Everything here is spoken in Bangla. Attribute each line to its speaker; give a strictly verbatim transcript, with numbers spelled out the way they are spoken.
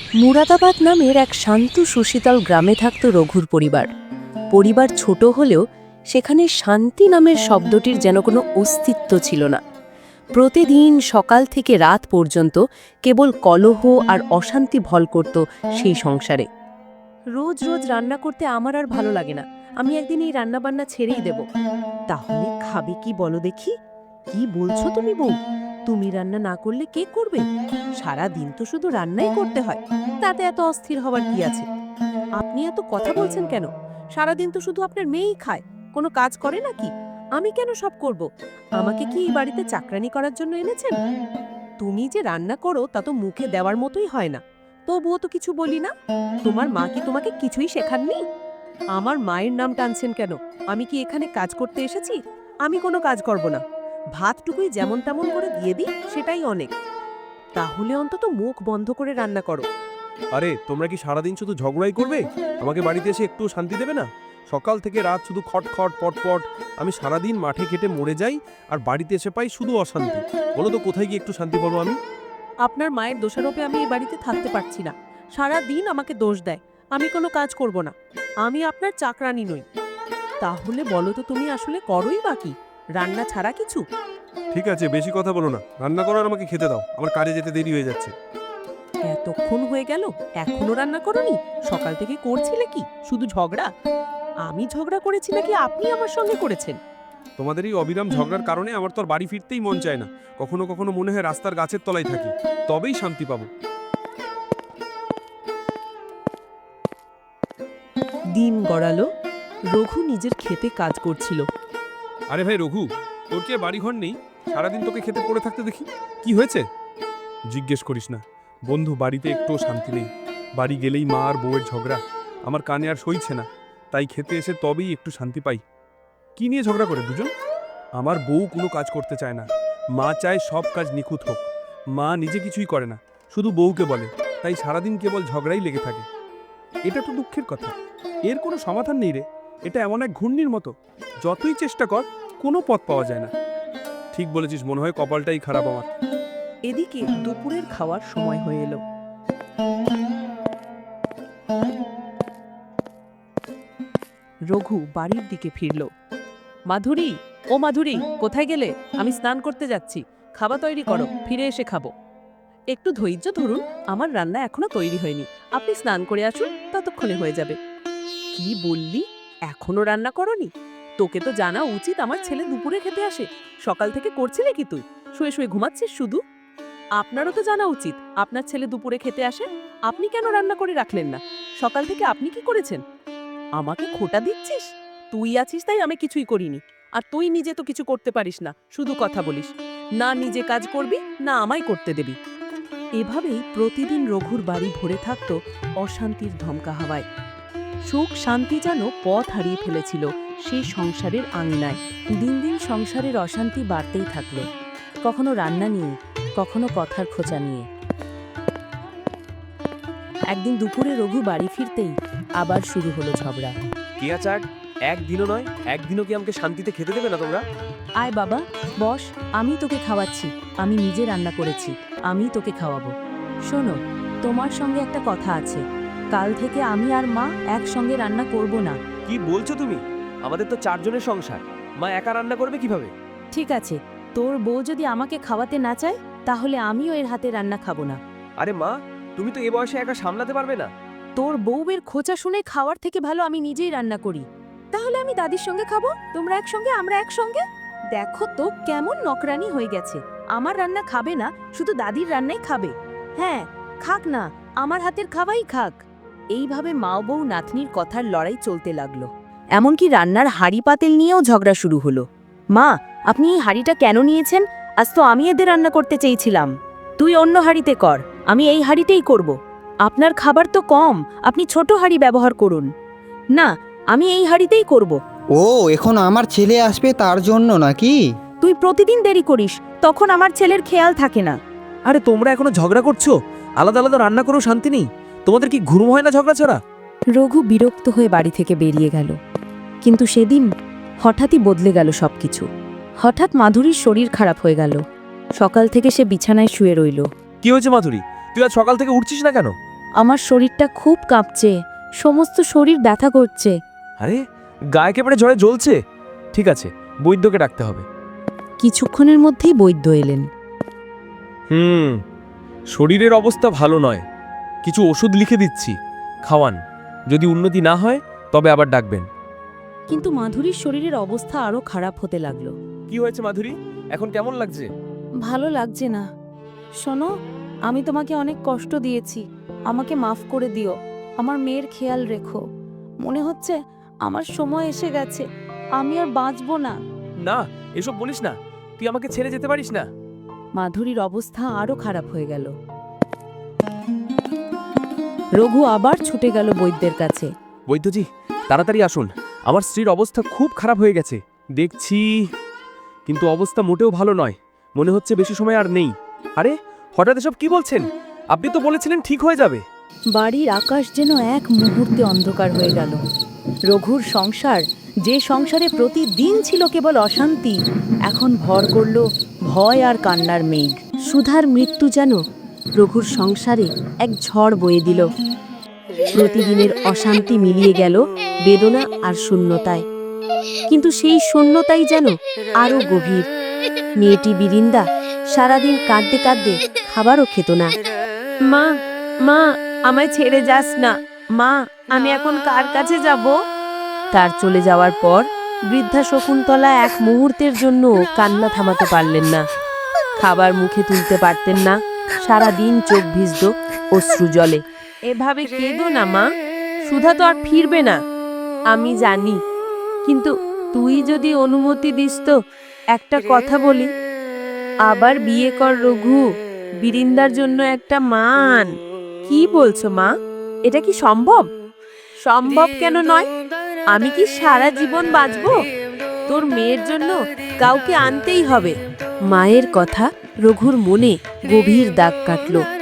Speaker 1: মুরাদাবাদ নামের এক শান্ত সুশীতল গ্রামে থাকত রঘুর পরিবার। পরিবার ছোট হলেও সেখানে শান্তি নামের শব্দটির যেন কোনো অস্তিত্ব ছিল না। প্রতিদিন সকাল থেকে রাত পর্যন্ত কেবল কলহ আর অশান্তি ভল করত সেই সংসারে। রোজ রোজ রান্না করতে আমার আর ভালো লাগে না, আমি একদিন এই রান্নাবান্না ছেড়েই দেব। তাহলে খাবে কি বলো দেখি? কি বলছো তুমি বউ? তুমি রান্না না করলে কে করবে? সারা দিন তো শুধু রান্নাই করতে হয়, তাতে এত অস্থির হবার কি আছে? আপনি এত কথা বলছেন কেন? সারাদিন তো শুধু আপনার মেয়েই খায়, কোনো কাজ করে নাকি? আমি কেন সব করব? আমাকে কি এই বাড়িতে চাকরানি করার জন্য এনেছেন? তুমি যে রান্না করো তা তো মুখে দেওয়ার মতোই হয় না, তবুও তো কিছু বলি না। তোমার মা কি তোমাকে কিছুই শেখাননি? আমার মায়ের নাম টানছেন কেন? আমি কি এখানে কাজ করতে এসেছি? আমি কোনো কাজ করব না। ভাতটুকুই যেমন তেমন করে দিয়ে দিই, সেটাই অনেক। তাহলে অন্তত মুখ বন্ধ করে রান্না করো।
Speaker 2: আরে তোমরা কি সারাদিন শুধু ঝগড়াই করবে? আমাকে বাড়িতে এসে একটু শান্তি দেবে না? সকাল থেকে রাত শুধু খটখট পটপট। আমি সারাদিন মাঠে খেটে মরে যাই আর বাড়িতে এসে পাই শুধু অশান্তি। বলো তো কোথায় গিয়ে একটু শান্তি পাবো আমি?
Speaker 1: আপনার মায়ের দোষারোপে আমি এই বাড়িতে থাকতে পারছি না। সারা দিন আমাকে দোষ দেয়, আমি কোনো কাজ করব না। আমি আপনার চাকরানি নই। তাহলে বলো তো তুমি আসলে করোই বা কি? রান্না ছাড়া কিছু?
Speaker 2: ঠিক আছে, বেশি কথা বলো না, রান্না করো আর আমাকে খেতে দাও, আমার কাজে যেতে দেরি হয়ে যাচ্ছে।
Speaker 1: এতক্ষণ হয়ে গেল এখনো রান্না করোনি? সকাল থেকে করছিলে কি শুধু ঝগড়া? আমি ঝগড়া করেছি নাকি আপনি আমার সঙ্গে করেছেন?
Speaker 2: তোমাদের এই অবিরাম ঝগড়ার কারণে আমার তো আর বাড়ি ফিরতেই মন চায় না। কখনো কখনো মনে হয় রাস্তার গাছের তলায় থাকি, তবেই শান্তি পাবো।
Speaker 1: দিন গড়ালো। রঘু নিজের খেতে কাজ করছিল।
Speaker 2: আরে ভাই রঘু, তোর কি আর বাড়িঘর নেই? সারাদিন তোকে খেতে পড়ে থাকতে দেখি, কি হয়েছে? জিজ্ঞেস করিস না বন্ধু, বাড়িতে একটুও শান্তি নেই। বাড়ি গেলেই মা আর বউয়ের ঝগড়া, আমার কানে আর সইছে না। তাই খেতে এসে তবেই একটু শান্তি পাই। কি নিয়ে ঝগড়া করে দুজন? আমার বউ কোনো কাজ করতে চায় না, মা চায় সব কাজ নিখুঁত হোক। মা নিজে কিছুই করে না, শুধু বউকে বলে। তাই সারাদিন কেবল ঝগড়াই লেগে থাকে। এটা তো দুঃখের কথা, এর কোনো সমাধান নেই রে। এটা এমন এক ঘূর্ণির মতো, যতই চেষ্টা কর কোনো পথ পাওয়া যায় না। ঠিক বলেছিস, মনে হয় কপালটাই খারাপ আমার।
Speaker 1: এদিকে দুপুরের খাওয়ার সময় হয়ে এলো। রঘু বাড়ির দিকে ফিরল। মাধুরী, ও মাধুরী, কোথায় গেলে? আমি স্নান করতে যাচ্ছি, খাবার তৈরি করো, ফিরে এসে খাবো। একটু ধৈর্য ধরুন, আমার রান্না এখনো তৈরি হয়নি। আপনি স্নান করে আসুন, ততক্ষণে হয়ে যাবে। কি বললি? এখনো রান্না করনি? তোকে তো জানা উচিত আমার ছেলে দুপুরে খেতে আসে। সকাল থেকে করছিলে কি তুই? শুয়ে শুয়ে ঘুমাচ্ছিস শুধু? আপনারও তো জানা উচিত আপনার ছেলে দুপুরে খেতে আসে। আপনি কেন রান্না করে রাখলেন না? সকাল থেকে আপনি কি করেছেন? আমাকে খোটা দিচ্ছিস? তুই আছিস তাই আমি কিছুই করিনি। আর তুই নিজে তো কিছু করতে পারিস না, শুধু কথা বলিস। না নিজে কাজ করবি, না আমায় করতে দেবি। এভাবেই প্রতিদিন রঘুর বাড়ি ভরে থাকত অশান্তির ধমকা হাওয়ায়। সুখ শান্তি যেন পথ হারিয়ে ফেলেছিল সেই সংসারের আঙিনায়। দিন দিন সংসারের অশান্তি বাড়তেই থাকলো, কখনো রান্না নিয়ে, কখনো কথার খোঁচা নিয়ে। একদিন দুপুরে রঘু বাড়ি ফিরতেই আবার শুরু হলো ঝগড়া।
Speaker 3: কিয়া চাট, একদিনও নয়, একদিনও কি আমাকে শান্তিতে খেতে দেবে না তোমরা?
Speaker 1: আয় বাবা, বস, আমি তোকে খাওয়াচ্ছি। আমি নিজে রান্না করেছি, আমি তোকে খাওয়াবো। শোনো, তোমার সঙ্গে একটা কথা আছে। কাল থেকে আমি আর মা একসঙ্গে রান্না করব না।
Speaker 3: কি বলছো তুমি? আমাদের তো চারজনের সংসার, মা একা রান্না করবে কিভাবে?
Speaker 1: ঠিক আছে, তোর বউ যদি আমাকে খাওয়াতে না চায়, তাহলে আমিও এর হাতে রান্না খাবো না।
Speaker 3: আরে মা, তুমি তো এ বয়সে একা সামলাতে পারবে না।
Speaker 1: তোর বউয়ের খোঁচা শুনে খাওয়ার থেকে ভালো আমি নিজেই রান্না করি। তাহলে আমি দাদির সঙ্গে খাবো, তোমরা একসঙ্গে, আমরা একসঙ্গে। দেখো তো কেমন নকরানি হয়ে গেছে। আমার রান্না খাবে না, শুধু দাদির রান্নাই খাবে। হ্যাঁ, খাক না, আমার হাতের খাওয়াই খাক। এইভাবে মা বউ নাতনির কথার লড়াই চলতে লাগলো। এমনকি রান্নার হাঁড়ি পাতিল নিয়েও ঝগড়া শুরু হলো। মা, আপনি এই হাঁড়িটা কেন নিয়েছেন? আজ তো আমি এদের রান্না করতে চেয়েছিলাম। তুই অন্য হাঁড়িতে কর, আমি এই হাঁড়িতেই করব। আপনার খাবার তো কম, আপনি ছোট হাঁড়ি ব্যবহার করুন। না, আমি এই হাঁড়িতেই করব।
Speaker 4: ও, এখন আমার ছেলে আসবে তার জন্য নাকি?
Speaker 1: তুই প্রতিদিন দেরি করিস, তখন আমার ছেলের খেয়াল থাকে না।
Speaker 3: আরে তোমরা এখনো ঝগড়া করছো? আলাদা আলাদা রান্না করো, শান্তি নেই? তোমাদের কি ঘুম হয় না ঝগড়া ছাড়া?
Speaker 1: রঘু বিরক্ত হয়ে বাড়ি থেকে বেরিয়ে গেল। কিন্তু সেদিন হঠাৎই বদলে গেল সবকিছু। হঠাৎ মাধুরীর শরীর খারাপ হয়ে গেল। সকাল থেকে সে বিছানায় শুয়ে রইল।
Speaker 3: কি হয়েছে মাধুরী? তুই আজ সকাল থেকে উঠছিস না কেন?
Speaker 1: আমার শরীরটা খুব কাঁপছে, সমস্ত শরীর ব্যথা করছে।
Speaker 3: আরে গা একেবারে জ্বরে জ্বলছে। ঠিক আছে, বৈদ্যকে ডাকতে হবে।
Speaker 1: কিছুক্ষণের মধ্যেই বৈদ্য এলেন।
Speaker 3: হুম, শরীরের অবস্থা ভালো নয়, কিছু ওষুধ লিখে দিচ্ছি, খাওয়ান। যদি উন্নতি না হয় তবে আবার ডাকবেন।
Speaker 1: কিন্তু মাধুরীর শরীরের অবস্থা আরো খারাপ হতে লাগলো।
Speaker 3: কি হয়েছে মাধুরী, এখন কেমন লাগছে?
Speaker 1: ভালো লাগছে না। শোনো, আমি তোমাকে অনেক কষ্ট দিয়েছি, আমাকে মাফ করে দিও। আমার মেয়ের খেয়াল রেখো। মনে হচ্ছে আমার সময় এসে গেছে, আমি আর বাঁচবো না।
Speaker 3: না, এসব বলিস না, তুই আমাকে ছেড়ে যেতে পারিস না।
Speaker 1: মাধুরীর অবস্থা আরো খারাপ হয়ে গেল। রঘু আবার ছুটে গেল বৈদ্যের কাছে।
Speaker 3: বৈদ্যজি, তাড়াতাড়ি আসুন, আমার স্ত্রীর অবস্থা খুব খারাপ হয়ে গেছে।
Speaker 2: দেখছি, কিন্তু অবস্থা মোটেও ভালো নয়, মনে হচ্ছে বেশি সময় আর নেই।
Speaker 3: আরে হঠাৎ এসব কি বলছেন? আপনি তো বলেছিলেন ঠিক হয়ে যাবে।
Speaker 1: বাড়ির আকাশ যেন এক মুহূর্তে অন্ধকার হয়ে গেল। রঘুর সংসার, যে সংসারে প্রতিদিন ছিল কেবল অশান্তি, এখন ভর করল ভয় আর কান্নার মেঘ। সুধার মৃত্যু যেন রঘুর সংসারে এক ঝড় বয়ে দিল। প্রতিদিনের অশান্তি মিলিয়ে গেল বেদনা আর শূন্যতায়। কিন্তু সেই শূন্যতাই যেন আরো গভীর। মেয়েটি বিরিন্দা সারাদিন কাঁদতে কাঁদতে খাবারও খেত না। মা, মা, আমায় ছেড়ে যাস না। মা, আমি এখন কার কাছে যাব? তার চলে যাওয়ার পর বৃদ্ধা শকুন্তলা এক মুহূর্তের জন্য কান্না থামাতে পারলেন না। খাবার মুখে তুলতে পারতেন না, সারা দিন চোখ ভিজত অশ্রু জলে। এভাবে কেঁদো না মা, সুধা তো আর ফিরবে না আমি জানি, কিন্তু তুই যদি অনুমতি দিস তো একটা কথা বলি। আবার বিয়ে কর রঘু, বিরিন্দার জন্য একটা মান। কি বলছো মা, এটা কি সম্ভব? সম্ভব কেন নয়? আমি কি সারা জীবন বাঁচবো? তোর মেয়ের জন্য কাউকে আনতেই হবে। মায়ের কথা রঘুর মনে গভীর দাগ কাটল।